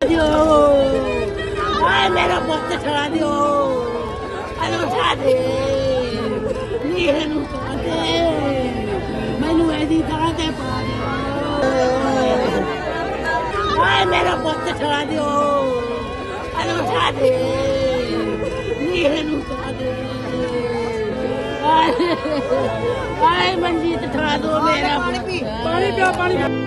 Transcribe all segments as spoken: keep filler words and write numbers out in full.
दियो, आए मेरा पुत छड़ा दियो, अनु उठा दे, नीरे नू उठा दे, मैनू ऐसी तरह ते पा दियो, आए मेरा पुत छड़ा दियो, अनु उठा दे, नीरे नू उठा दे, आए आए मंजीत छड़ा दो मेरा पानी पी पानी पिया पानी पिया।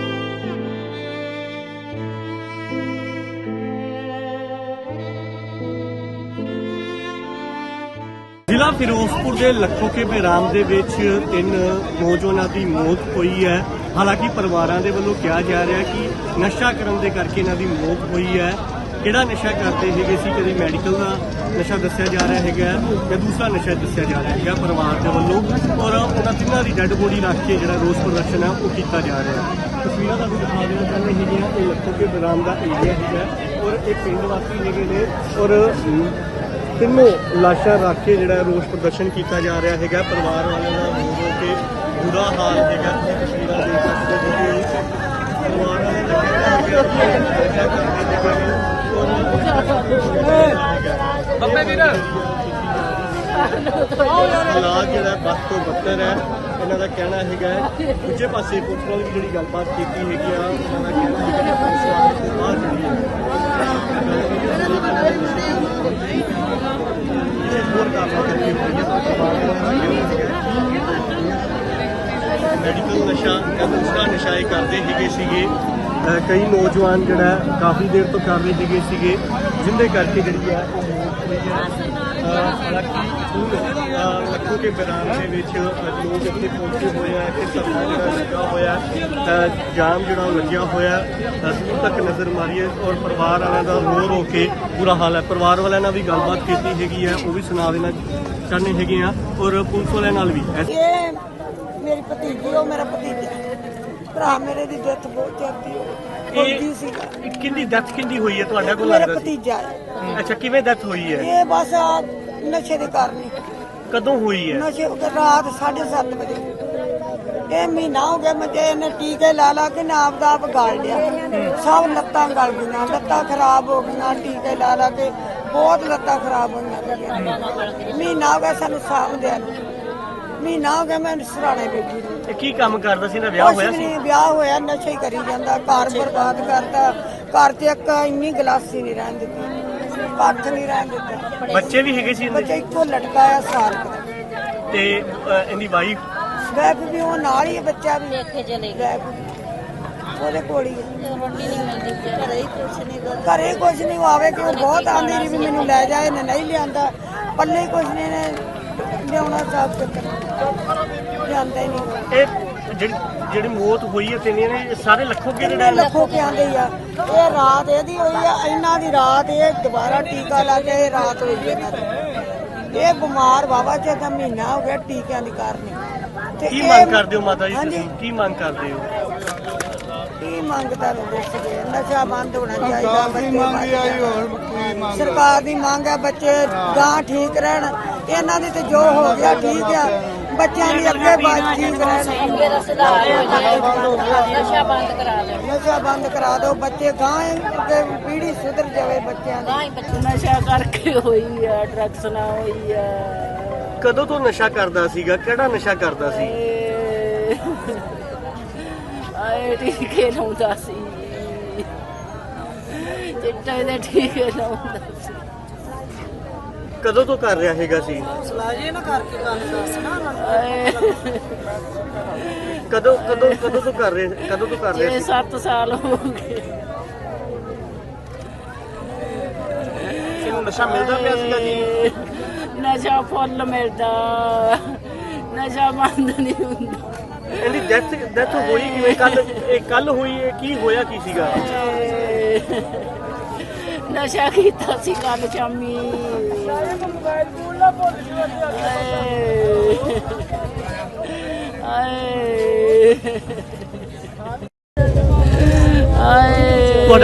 ਜ਼ਿਲ੍ਹਾ ਫਿਰੋਜ਼ਪੁਰ ਦੇ ਲੱਖੋ ਕੇ ਬਹਿਰਾਮ ਦੇ ਵਿੱਚ ਤਿੰਨ ਨੌਜਵਾਨਾਂ ਦੀ ਮੌਤ ਹੋਈ ਹੈ। ਹਾਲਾਂਕਿ ਪਰਿਵਾਰਾਂ ਦੇ ਵੱਲੋਂ ਕਿਹਾ ਜਾ ਰਿਹਾ ਕਿ ਨਸ਼ਾ ਕਰਨ ਦੇ ਕਰਕੇ ਇਹਨਾਂ ਦੀ ਮੌਤ ਹੋਈ ਹੈ। ਕਿਹੜਾ ਨਸ਼ਾ ਕਰਦੇ ਹੈਗੇ ਸੀ, ਕਦੇ ਮੈਡੀਕਲ ਦਾ ਨਸ਼ਾ ਦੱਸਿਆ ਜਾ ਰਿਹਾ ਹੈਗਾ ਜਾਂ ਦੂਸਰਾ ਨਸ਼ਾ ਦੱਸਿਆ ਜਾ ਰਿਹਾ ਹੈਗਾ ਪਰਿਵਾਰ ਦੇ ਵੱਲੋਂ, ਔਰ ਉਹਨਾਂ ਤਿੰਨਾਂ ਦੀ ਡੈੱਡ ਬੋਡੀ ਰੱਖ ਕੇ ਜਿਹੜਾ ਰੋਸ ਪ੍ਰਦਰਸ਼ਨ ਹੈ ਉਹ ਕੀਤਾ ਜਾ ਰਿਹਾ ਹੈ। ਤਸਵੀਰਾਂ ਤੁਹਾਨੂੰ ਦਿਖਾ ਦੇਣਾ ਚਾਹੁੰਦੇ ਹੈਗੀਆਂ, ਇਹ ਲੱਖੋ ਕੇ ਬਹਿਰਾਮ ਦਾ ਏਰੀਆ ਹੈਗਾ ਔਰ ਇਹ ਪਿੰਡ ਵਾਸੀ ਹੈਗੇ ਨੇ ਔਰ ਤਿੰਨੋਂ ਲਾਸ਼ਾਂ ਰੱਖ ਕੇ ਜਿਹੜਾ ਰੋਸ ਪ੍ਰਦਰਸ਼ਨ ਕੀਤਾ ਜਾ ਰਿਹਾ ਹੈਗਾ। ਪਰਿਵਾਰ ਵਾਲਿਆਂ ਦਾ ਰੋ ਰੋ ਕੇ ਬੁਰਾ ਹਾਲ ਹੈਗਾ, ਤਸਵੀਰਾਂ ਦੇਖ ਸਕਦੇ ਹੋ। ਪਰਿਵਾਰ ਵਾਲਿਆਂ ਦਾ ਕਹਿਣਾ ਹੈਗਾ ਹਾਲਾਤ ਜਿਹੜਾ ਬਸ ਤੋਂ ਬੱਤਰ ਹੈ। ਇਹਨਾਂ ਦਾ ਕਹਿਣਾ ਹੈਗਾ ਦੂਜੇ ਪਾਸੇ ਪੁਲਿਸ ਨਾਲ ਵੀ ਜਿਹੜੀ ਗੱਲਬਾਤ ਕੀਤੀ ਹੈਗੀ ਆ, ਉਹਨਾਂ ਦਾ ਕਹਿਣਾ ਹੈਗਾ ਕਿ ਪੁਲਿਸ ਵਾਲੇ ਤੋਂ ਬਾਅਦ ਜਿਹੜੀ ਹੈ ਹੋਰ ਕਾਰਵਾਈ ਕਰਨੀ ਹੋਈ ਹੈ। ਮੈਡੀਕਲ ਨਸ਼ਾ ਜਾਂ ਦੂਸਰਾ ਨਸ਼ਾ ਇਹ ਕਰਦੇ ਹੈਗੇ ਸੀਗੇ। ਕਈ ਨੌਜਵਾਨ ਜਿਹੜਾ ਕਾਫੀ ਦੇਰ ਤੋਂ ਕਰ ਰਹੇ ਹੈਗੇ ਸੀਗੇ, ਜਿਹਦੇ ਕਰਕੇ ਜਿਹੜੀ ਹੈ ਉਹ ਮੌਤ ਹੋਈ ਹੈ। ਹਾਲਾਂਕਿ ਲੱਖੋ ਕੇ ਬਹਿਰਾਮ ਦੇ ਵਿੱਚ ਲੋਕ ਇੱਥੇ ਪਹੁੰਚੇ ਹੋਏ ਆ, ਇੱਥੇ ਧਰਨਾ ਜਿਹੜਾ ਲੱਗਾ ਹੋਇਆ, ਜਾਮ ਜਿਹੜਾ ਉਹ ਲੱਗਿਆ ਹੋਇਆ, ਦੂਰ ਤੱਕ ਨਜ਼ਰ ਮਾਰੀਏ ਔਰ ਪਰਿਵਾਰ ਵਾਲਿਆਂ ਦਾ ਰੋ ਰੋ ਕੇ ਬੁਰਾ ਹਾਲ ਹੈ। ਪਰਿਵਾਰ ਵਾਲਿਆਂ ਨਾਲ ਵੀ ਗੱਲਬਾਤ ਕੀਤੀ ਹੈਗੀ ਹੈ, ਉਹ ਵੀ ਸੁਣਾ ਦੇਣਾ ਚਾਹੁੰਦੇ ਹੈਗੇ ਆ ਔਰ ਪੁਲਿਸ ਵਾਲਿਆਂ ਨਾਲ ਵੀ। ਇਹ ਮੇਰੀ ਭਤੀਜੀ, ਉਹ ਮੇਰਾ ਭਤੀਜਾ, ਭਰਾ ਮੇਰੇ ਦੀ ਡੈਥ ਬਹੁਤ ਜਲਦੀ ਹੋਈ ਸੀ। ਕਿੰਨੀ ਡੈਥ ਕਿੰਨੀ ਹੋਈ ਹੈ ਤੁਹਾਡਾ ਕੋਲ ਮੇਰਾ ਲੱਗਦਾ? ਭਤੀਜਾ ਹੈ। ਅੱਛਾ, ਕਿਵੇਂ ਡੈਥ ਹੋਈ ਹੈ? ਇਹ ਬਸ ਆ ਨਸ਼ੇ ਦੇ ਕਾਰਨ। ਕਦੋਂ ਹੋਈ ਹੈ? ਨਸ਼ੇ ਰਾਤ ਸਾਢੇ ਸੱਤ ਵਜੇ। ਇਹ ਮਹੀਨਾ ਹੋ ਗਿਆ ਮੁਝੇ, ਇਹਨੇ ਟੀਕੇ ਲਾ ਲਾ ਕੇ ਨਾਪ ਦਾ ਆਪ ਗਾਲ ਲਿਆ, ਸਭ ਲੱਤਾਂ ਗਲ ਗਈਆਂ, ਲੱਤਾਂ ਖਰਾਬ ਹੋ ਗਈਆਂ, ਟੀਕੇ ਲਾ ਲਾ ਕੇ ਬਹੁਤ ਲੱਤਾਂ ਖਰਾਬ ਹੋਈਆਂ। ਮਹੀਨਾ ਹੋ ਗਿਆ ਸਾਨੂੰ ਸਾਂਭਦਿਆਂ ਨੂੰ, ਮਹੀਨਾ ਹੋ ਗਿਆ ਮੈਂ ਸਰਾਣੇ ਬੈਠੀ ਨੂੰ। ਕੀ ਕੰਮ ਕਰਦਾ ਸੀ? ਨਾ ਵਿਆਹ ਹੋਇਆ ਸੀ? ਵਿਆਹ ਹੋਇਆ, ਨਸ਼ਾ ਹੀ ਕਰੀ ਜਾਂਦਾ, ਘਰ ਬਰਬਾਦ ਕਰਦਾ। ਘਰ ਤੇ ਇੱਕ ਇੰਨੀ ਗਲਾਸੀ ਨਹੀਂ ਰਹਿਣ ਦਿੱਤੀ, ਪੱਥ ਨਹੀਂ ਰਹਿਣ ਦਿੱਤਾ। ਬੱਚੇ ਵੀ ਹੈਗੇ ਸੀ? ਬੱਚਾ ਇੱਕੋ ਲਟਕਾ ਆ ਸਾਲ ਤੇ ਇਹਦੀ ਵਾਈਫ ਗੈਪ ਵੀ ਉਹ ਨਾਲ ਹੀ, ਬੱਚਾ ਵੀ ਇੱਥੇ ਚਲੇ ਗਿਆ, ਉਹਦੇ ਕੋਲ ਹੀ। ਰੋਟੀ ਨਹੀਂ ਮਿਲਦੀ, ਘਰੇ ਹੀ ਕੁਛ ਨਹੀਂ, ਘਰੇ ਕੁਛ ਨਹੀਂ ਆਵੇ ਕਿ ਉਹ ਬਹੁਤ ਆਂਦੀ ਰਹੀ ਵੀ ਮੈਨੂੰ ਲੈ ਜਾ, ਇਹਨੇ ਨਹੀਂ ਲਿਆਂਦਾ, ਪੱਲੇ ਕੁਛ ਨਹੀਂ ਨੇ ਲਿਆਉਣਾ, ਸਾਫ ਚੱਕਰ ਲਿਆਂਦਾ ਹੀ ਨਹੀਂ। ਇਹ ਜਿਹੜੀ ਜਿਹੜੀ ਮੌਤ ਹੋਈ ਹੈ ਤਿੰਨੇ ਨੇ ਸਾਰੇ ਲੱਖੋ ਕੇ ਜਿਹੜੇ ਲੱਖੋ ਕੇ ਆਂਦੇ ਆ। ਇਹ ਰਾਤ ਇਹਦੀ ਹੋਈ ਆ, ਇਹਨਾਂ ਦੀ ਰਾਤ, ਇਹ ਦੁਬਾਰਾ ਟੀਕਾ ਲਾ ਕੇ ਇਹ ਰਾਤ ਹੋਈ ਇਹਨਾਂ ਦੀ। ਇਹ ਬਿਮਾਰ ਬਾਬਾ ਚ ਦਾ ਮਹੀਨਾ ਹੋ ਗਿਆ ਟੀਕਿਆਂ ਦੀ ਕਾਰਨ। ਤੇ ਕੀ ਮੰਗ ਕਰਦੇ ਹੋ ਮਾਤਾ ਜੀ ਤੁਸੀਂ? ਕੀ ਮੰਗ ਕਰਦੇ ਹੋ? ਕੀ ਮੰਗਦਾ ਦੱਸਦੇ? ਨਸ਼ਾ ਬੰਦ ਹੋਣਾ ਚਾਹੀਦਾ, ਬੱਚੇ ਸਰਕਾਰ ਦੀ ਮੰਗ ਹੈ, ਬੱਚੇ ਗਾਂ ਠੀਕ ਰਹਿਣ। ਇਹਨਾਂ ਦੀ ਤੇ ਜੋ ਹੋ ਗਿਆ ਠੀਕ ਆ, ਬੱਚਿਆਂ ਦੀ ਅੱਗੇ ਬਾਤ ਠੀਕ ਰਹਿਣ। ਨਸ਼ਾ ਬੰਦ ਕਰਾ ਦਿਓ, ਨਸ਼ਾ ਬੰਦ ਕਰਾ ਦਿਓ, ਬੱਚੇ ਗਾਂ ਅੱਗੇ ਪੀੜ੍ਹੀ ਸੁਧਰ ਜਾਵੇ ਬੱਚਿਆਂ ਦੀ। ਨਸ਼ਾ ਕਰਕੇ ਹੋਈ ਆ, ਡਰੱਗਸ ਨਾ ਹੋਈ ਆ। ਕਦੋਂ ਤੋਂ ਨਸ਼ਾ ਕਰਦਾ ਸੀਗਾ? ਕਿਹੜਾ ਨਸ਼ਾ ਕਰਦਾ ਸੀ? ਆਏ ਟੀਕੇ ਲਾਉਂਦਾ ਸੀ, ਚਿੱਟੇ ਦੇ ਟੀਕੇ ਲਾਉਂਦਾ ਸੀ। ਕਦੋਂ ਤੋਂ ਕਰ ਰਿਹਾ ਹੈਗਾ ਸੀ? ਸਲਾਜੇ ਨਾ ਕਰਕੇ ਗੱਲ ਦੱਸ ਨਾ। ਕਦੋਂ ਕਦੋਂ ਕਦੋਂ ਤੋਂ ਕਰ ਰਹੇ ਕਦੋਂ ਤੋਂ ਕਰ ਰਹੇ ਸੀ? ਸੱਤ ਸਾਲ ਹੋ ਗਏ। ਇਹਨੂੰ ਨਸ਼ਾ ਮਿਲਦਾ ਪਿਆ ਸੀਗਾ ਜੀ? ਨਸ਼ਾ ਫੁੱਲ ਮਿਲਦਾ, ਨਸ਼ਾ ਬੰਦ ਨਹੀਂ ਹੁੰਦਾ। ਇਹਦੀ ਡੈਥ ਡੈਥ ਹੋਈ ਕਿਵੇਂ? ਕੱਲ ਇਹ ਕੱਲ ਹੋਈ ਹੈ? ਕੀ ਹੋਇਆ ਕੀ ਸੀਗਾ? ਨਸ਼ਾ ਕੀਤਾ ਸੀ ਕੱਲ ਸ਼ਾਮੀ। ਤੁਹਾਡਾ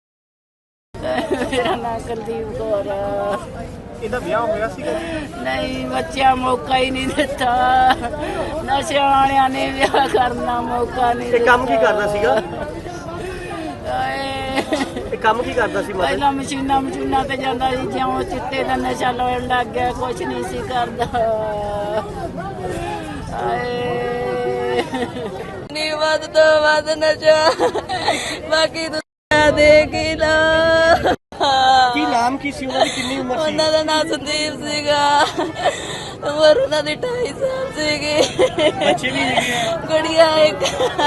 ਮੇਰਾ ਨਾਂ ਕੁਲਦੀਪ ਕੌਰ। ਇਹਦਾ ਵਿਆਹ ਹੋਇਆ ਸੀਗਾ? ਨਹੀਂ, ਬੱਚਿਆਂ ਮੌਕਾ ਹੀ ਨਹੀਂ ਦਿੱਤਾ, ਨਸ਼ੇ ਵਾਲਿਆਂ ਨੇ ਵਿਆਹ ਕਰਨਾ ਮੌਕਾ ਨਹੀਂ। ਇਹ ਕੰਮ ਕੀ ਕਰਦਾ ਸੀਗਾ? ਕੰਮ ਕੀ ਕਰਦਾ ਸੀ ਮਾਤਾ ਜੀ? ਪਹਿਲਾਂ ਮਸ਼ੀਨਾਂ ਮਸ਼ੀਨਾਂ ਤੇ ਜਾਂਦਾ ਸੀ, ਜਿਉਂ ਚਿੱਟੇ ਦਾ ਨਸ਼ਾ ਲਾਉਣ ਲੱਗ ਗਿਆ ਕੁਛ ਨਹੀਂ ਸੀ ਕਰਦਾ। ਹਾਏ ਨੀ ਵੱਧ ਤੋਂ ਵੱਧ ਨਸ਼ਾ ਬਾਕੀ ਦੁਨੀਆ ਦੇ ਲਾ। ਕੀ ਨਾਮ ਕੀ ਸੀ ਉਹਨਾਂ ਦੀ, ਕਿੰਨੀ ਉਮਰ ਸੀ? ਉਹਨਾਂ ਦਾ ਨਾਮ ਸੰਦੀਪ ਸੀਗਾ, ਉਮਰ ਉਹਨਾਂ ਦੀ ਢਾਈ ਸਾਲ ਸੀਗੀ। ਬੱਚੇ ਵੀ ਹੈਗੇ ਆ? ਗੁੜੀਆ ਇੱਕ।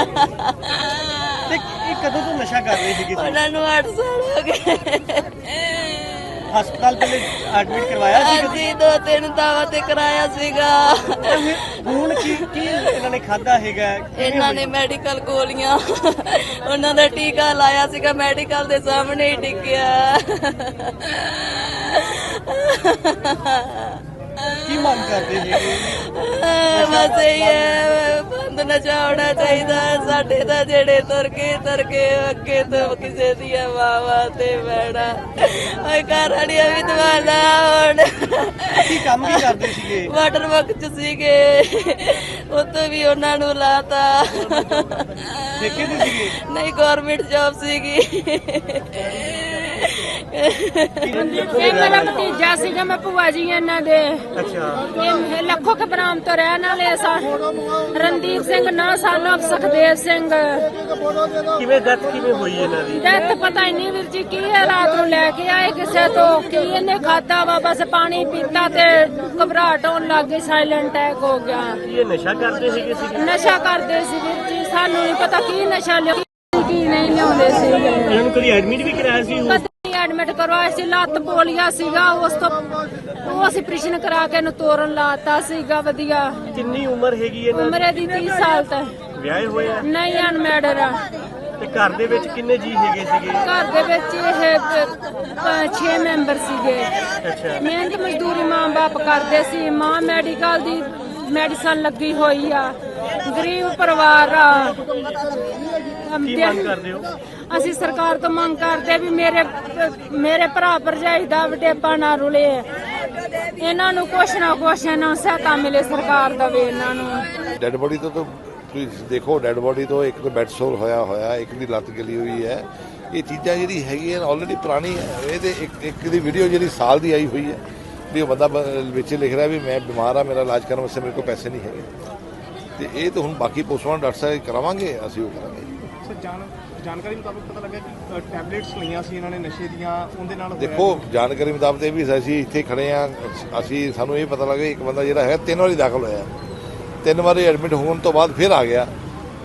ਤੇ ਇਹ ਕਦੋਂ ਤੋਂ ਨਸ਼ਾ ਕਰ ਰਹੇ ਸੀਗੇ? ਉਹਨਾਂ ਨੂੰ ਅੱਠ ਸਾਲ ਹੋ ਗਏ। ਹਸਪਤਾਲ ਪਹਿਲੇ ਐਡਮਿਟ ਕਰਵਾਇਆ ਸੀ? ਅਸੀਂ ਦੋ ਤਿੰਨ ਦਾਵਾ ਤੇ ਕਰਾਇਆ ਸੀਗਾ। ਹੁਣ ਕੀ ਕੀ ਇਹਨਾਂ ਨੇ ਖਾਦਾ ਹੈਗਾ? ਇਹਨਾਂ ਨੇ ਮੈਡੀਕਲ ਗੋਲੀਆਂ, ਉਹਨਾਂ ਦਾ ਟੀਕਾ ਲਾਇਆ ਸੀਗਾ ਮੈਡੀਕਲ ਦੇ ਸਾਹਮਣੇ ਹੀ ਟਿਕਿਆ। ਕੀ ਮੰਗ ਕਰਦੇ ਹੈਗੇ? ਬਸ ਇਹ ਹੈ, ਬੰਦ ਨਸ਼ਾ ਹੋਣਾ ਚਾਹੀਦਾ ਸਾਡੇ ਤਾਂ ਜਿਹੜੇ ਤੁਰ ਕੇ ਤੁਰ ਕੇ ਅੱਗੇ ਤੋਂ ਕਿਸੇ ਦੀਆਂ ਮਾਵਾਂ ਤੇ ਬੈਣਾ ਓਏ ਘਰ ਵਾਲੀਆਂ ਵੀ ਦਵਾਲਾ ਹੁਣ। ਕੀ ਕੰਮ ਕੀ ਕਰਦੇ ਸੀਗੇ? ਵਾਟਰ ਵਰਕ ਚ ਸੀਗੇ, ਉੱਥੇ ਵੀ ਉਹਨਾਂ ਨੂੰ ਲਾਤਾ। ਠੇਕੇ ਤੇ ਸੀਗੇ? ਨਹੀਂ ਗਵਰਨਮੈਂਟ ਜੌਬ ਸੀਗੀ। ਇਹ ਮੇਰਾ ਭਤੀਜਾ ਸੀਗਾ, ਮੈਂ ਭੂਆ ਜੀ ਇਹਨਾਂ ਦੇ। ਅੱਛਾ। ਇਹ ਲੱਖੋ ਕੇ ਬਰਾਮ ਤੋਂ ਰਹਿਣ ਵਾਲੇ ਸਾ ਰਣਦੀਪ ਸਿੰਘ ਨਾ ਸਾਨੂੰ ਸੁਖਦੇਵ ਸਿੰਘ। ਕਿਵੇਂ ਡੈਥ ਕਿਵੇਂ ਹੋਈ ਇਹਨਾਂ ਦੀ? ਡੈਥ ਪਤਾ ਹੀ ਨਹੀਂ ਵੀਰ ਜੀ ਕੀ ਹੈ, ਰਾਤ ਨੂੰ ਲੈ ਕੇ ਆਏ ਕਿਸੇ ਤੋਂ, ਕੀ ਇਹਨੇ ਖਾਦਾ ਵਾ, ਬਸ ਪਾਣੀ ਪੀਤਾ ਤੇ ਘਬਰਾਹਟ ਹੋਣ ਲੱਗ ਗਈ, ਸਾਇਲੈਂਟ ਅਟੈਕ ਹੋ ਗਿਆ। ਕੀ ਇਹ ਨਸ਼ਾ ਕਰਦੇ ਸੀਗੇ? ਨਸ਼ਾ ਕਰਦੇ ਸੀ ਵੀਰ ਜੀ, ਸਾਨੂੰ ਨਹੀਂ ਪਤਾ ਕੀ ਨਸ਼ਾ ਲਿਆ ਕੀ ਨਹੀਂ ਲਿਆਉਂਦੇ ਸੀ। ਇਹਨਾਂ ਨੂੰ ਕਦੀ ਐਡਮਿਟ ਵੀ ਕਰਾਇਆ ਸੀ? ਐਡਮਿਟ ਕਰਵਾਇਆ ਸੀ, ਲੱਤ ਪੋਲੀਆ ਸੀਗਾ, ਉਸ ਤੋਂ ਉਹ ਅਸੀਂ ਆਪਰੇਸ਼ਨ ਕਰਾ ਕੇ ਇਹਨੂੰ ਤੋਰਨ ਲਾਤਾ ਸੀਗਾ। ਵਧੀਆ। ਕਿੰਨੀ ਉਮਰ ਹੈਗੀ ਇਹਨਾਂ ਦੀ? ਉਮਰ ਦੀ ਤੀਹ ਸਾਲ ਤੱਕ। ਵਿਆਹੇ ਹੋਏ ਆ? ਨਹੀਂ ਅਨਮੈਰਿਡ ਆ। ਤੇ ਘਰ ਦੇ ਵਿੱਚ ਕਿੰਨੇ ਜੀ ਹੈਗੇ ਸੀਗੇ? ਘਰ ਦੇ ਵਿੱਚ ਇਹ ਛੇ ਮੈਂਬਰ ਸੀਗੇ। ਅੱਛਾ। ਮਿਹਨਤ ਮਜ਼ਦੂਰੀ ਮਾਂ ਬਾਪ ਕਰਦੇ ਸੀ, ਮਾਂ ਮੈਡੀਕਲ ਦੀ ਮੈਡੀਸਨ ਲੱਗੀ ਹੋਈ ਆ, ਗਰੀਬ ਪਰਿਵਾਰ ਆ। ਕੀ ਮੰਗ ਕਰਦੇ ਹੋ? ਅਸੀਂ ਸਰਕਾਰ ਤੋਂ ਮੰਗ ਕਰਦੇ ਵੀ ਮੇਰੇ ਮੇਰੇ ਭਰਾ ਭਰਜਾਈ ਦਾ ਵਡੇਪਾ ਨਾ ਰੁਲੇ, ਇਹਨਾਂ ਨੂੰ ਕੁਛ ਨਾ ਕੁਛ ਨਾ ਸਹਾਇਤਾ ਮਿਲੇ, ਸਰਕਾਰ ਦੇਵੇ ਇਹਨਾਂ ਨੂੰ। ਡੈਡ ਬੋਡੀ ਤੋਂ ਤਾਂ ਤੁਸੀਂ ਦੇਖੋ, ਡੈਡ ਬੋਡੀ ਤੋਂ ਇੱਕ ਤਾਂ ਬੈਡ ਸੋਰ ਹੋਇਆ ਹੋਇਆ, ਇੱਕ ਦੀ ਲੱਤ ਗਲੀ ਹੋਈ ਹੈ। ਇਹ ਚੀਜ਼ਾਂ ਜਿਹੜੀ ਹੈਗੀਆਂ ਆਲਰੇਡੀ ਪੁਰਾਣੀ ਹੈ। ਇਹਦੇ ਇੱਕ ਇੱਕ ਦੀ ਵੀਡੀਓ ਜਿਹੜੀ ਸਾਲ ਦੀ ਆਈ ਹੋਈ ਹੈ ਵੀ ਉਹ ਬੰਦਾ ਵਿੱਚ ਲਿਖ ਰਿਹਾ ਵੀ ਮੈਂ ਬਿਮਾਰ ਆ, ਮੇਰਾ ਇਲਾਜ ਕਰਨ ਵਾਸਤੇ ਮੇਰੇ ਕੋਲ ਪੈਸੇ ਨਹੀਂ ਹੈਗੇ। ਤੇ ਇਹ ਤਾਂ ਹੁਣ ਬਾਕੀ ਪੋਸਟਮਾਰਟਮ ਡਾਕਟਰ ਸਾਹਿਬ ਕਰਾਵਾਂਗੇ, ਅਸੀਂ ਉਹ ਕਰਾਂਗੇ। ਜਾਣਕਾਰੀ ਮੁਤਾਬਕ ਪਤਾ ਲੱਗਾ ਕਿ ਟੈਬਲੇਟਸ ਲਈਆਂ ਸੀ ਇਹਨਾਂ ਨੇ ਨਸ਼ੇ ਦੀਆਂ, ਉਹਦੇ ਨਾਲ ਦੇਖੋ ਜਾਣਕਾਰੀ ਮੁਤਾਬਕ ਇਹ ਵੀ ਅਸੀਂ ਇੱਥੇ ਖੜੇ ਆ, ਅਸੀਂ ਸਾਨੂੰ ਇਹ ਪਤਾ ਲੱਗਾ ਇੱਕ ਬੰਦਾ ਜਿਹੜਾ ਹੈ ਤਿੰਨ ਵਾਰੀ ਦਾਖਲ ਹੋਇਆ, ਤਿੰਨ ਵਾਰੀ ਐਡਮਿਟ ਹੋਣ ਤੋਂ ਬਾਅਦ ਫਿਰ ਆ ਗਿਆ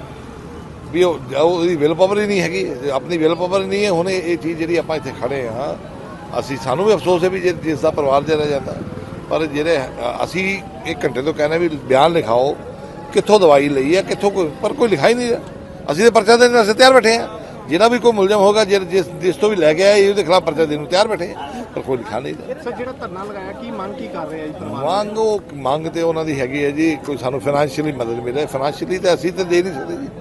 ਵੀ ਉਹ ਉਹਦੀ ਵਿਲ ਪਾਵਰ ਹੀ ਨਹੀਂ ਹੈਗੀ, ਆਪਣੀ ਵਿਲ ਪਾਵਰ ਨਹੀਂ ਹੈ। ਹੁਣ ਇਹ ਚੀਜ਼ ਜਿਹੜੀ ਆਪਾਂ ਇੱਥੇ ਖੜੇ ਆ, ਅਸੀਂ ਸਾਨੂੰ ਵੀ ਅਫਸੋਸ ਹੈ ਵੀ ਜੇ ਜਿਸ ਦਾ ਪਰਿਵਾਰ ਜਿਹੜਾ ਜਾਂਦਾ, ਪਰ ਜਿਹੜੇ ਅਸੀਂ ਇੱਕ ਘੰਟੇ ਤੋਂ ਕਹਿੰਦੇ ਵੀ ਬਿਆਨ ਲਿਖਾਓ, ਕਿੱਥੋਂ ਦਵਾਈ ਲਈ ਹੈ, ਕਿੱਥੋਂ ਕੋਈ, ਪਰ ਕੋਈ ਲਿਖਾ ਹੀ ਨਹੀਂ ਰਿਹਾ। ਅਸੀਂ ਤਾਂ ਪਰਚਾ ਦੇਣ ਵਾਸਤੇ ਤਿਆਰ ਬੈਠੇ ਆ, ਜਿਹੜਾ ਵੀ ਕੋਈ ਮੁਲਜ਼ਮ ਹੋਗਾ ਜਿਸ ਜਿਸ ਤੋਂ ਵੀ ਲੈ ਕੇ ਆਇਆ ਇਹਦੇ ਖਿਲਾਫ ਪਰਚਾ ਦੇਣ ਨੂੰ ਤਿਆਰ ਬੈਠੇ ਆ, ਪਰ ਕੋਈ ਲਿਖਾ ਨਹੀਂ ਰਿਹਾ। ਸਰ ਜਿਹੜਾ ਧਰਨਾ ਲਗਾਇਆ ਕੀ ਮੰਗ ਕੀ ਕਰ ਰਹੇ ਆ ਜੀ ਪਰਿਵਾਰ? ਮੰਗ ਉਹ ਮੰਗ ਤੇ ਉਹਨਾਂ ਦੀ ਹੈਗੀ ਹੈ ਜੀ, ਕੋਈ ਸਾਨੂੰ ਫਾਈਨੈਂਸ਼ੀਅਲੀ ਮਦਦ ਮਿਲੇ। ਫਾਈਨੈਂਸ਼ੀਅਲੀ ਤਾਂ ਅਸੀਂ ਤਾਂ ਦੇ ਨਹੀਂ ਸਕਦੇ ਜੀ।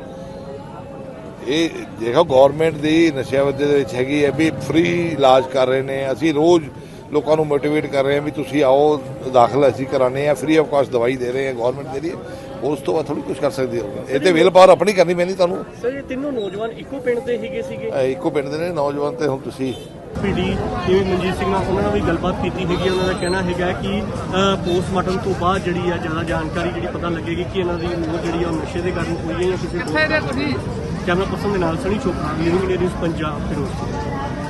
ਇਹ ਦੇਖੋ ਗਵਰਨਮੈਂਟ ਦੀ ਨਸ਼ਿਆਂ ਦੇ ਵਿੱਚ ਹੈਗੀ ਹੈ ਵੀ ਫ੍ਰੀ ਇਲਾਜ ਕਰ ਰਹੇ ਨੇ। ਅਸੀਂ ਰੋਜ਼ ਲੋਕਾਂ ਨੂੰ ਮੋਟੀਵੇਟ ਕਰ ਰਹੇ ਹਾਂ ਵੀ ਤੁਸੀਂ ਆਓ, ਦਾਖਲ ਅਸੀਂ ਕਰਾਉਂਦੇ ਹਾਂ, ਫ੍ਰੀ ਆਫ ਕਾਸਟ ਦਵਾਈ ਦੇ ਰਹੇ ਹਾਂ ਗਵਰਨਮੈਂਟ ਦੇ ਲਈ। ਉਸ ਤੋਂ ਬਾਅਦ ਥੋੜੀ ਕੁਝ ਕਰ ਸਕਦੇ ਹੋ, ਇਹ ਤੇ ਵਿਲ ਪਾਵਰ ਆਪਣੀ ਕਰਨੀ ਪੈਣੀ ਤੁਹਾਨੂੰ। ਸਰ ਇਹ ਤਿੰਨੋਂ ਨੌਜਵਾਨ ਇੱਕੋ ਪਿੰਡ ਦੇ ਹੈਗੇ ਸੀਗੇ? ਇੱਕੋ ਪਿੰਡ ਦੇ ਨੇ ਨੌਜਵਾਨ। ਤੇ ਹੁਣ ਤੁਸੀਂ ਪੀਡੀ ਜਿਵੇਂ ਮਨਜੀਤ ਸਿੰਘ ਨਾਲ ਉਹਨਾਂ ਨਾਲ ਵੀ ਗੱਲਬਾਤ ਕੀਤੀ ਹੈਗੀ, ਉਹਨਾਂ ਦਾ ਕਹਿਣਾ ਹੈਗਾ ਕਿ ਪੋਸਟਮਾਰਟਮ ਤੋਂ ਬਾਅਦ ਜਿਹੜੀ ਆ ਜ਼ਿਆਦਾ ਜਾਣਕਾਰੀ ਜਿਹੜੀ ਪਤਾ ਲੱਗੇਗੀ ਕਿ ਇਹਨਾਂ ਦੀ ਮੌਤ ਜਿਹੜੀ ਆ ਨਸ਼ੇ ਦੇ ਕਾਰਨ ਹੋਈ ਹੈ ਜਾਂ ਕਿਸੇ ਹੋਰ। ਕੈਮਰਾ ਪਰਸਨ ਦੇ ਨਾਲ Sunny Chopra, living India news Punjab, Firozpur.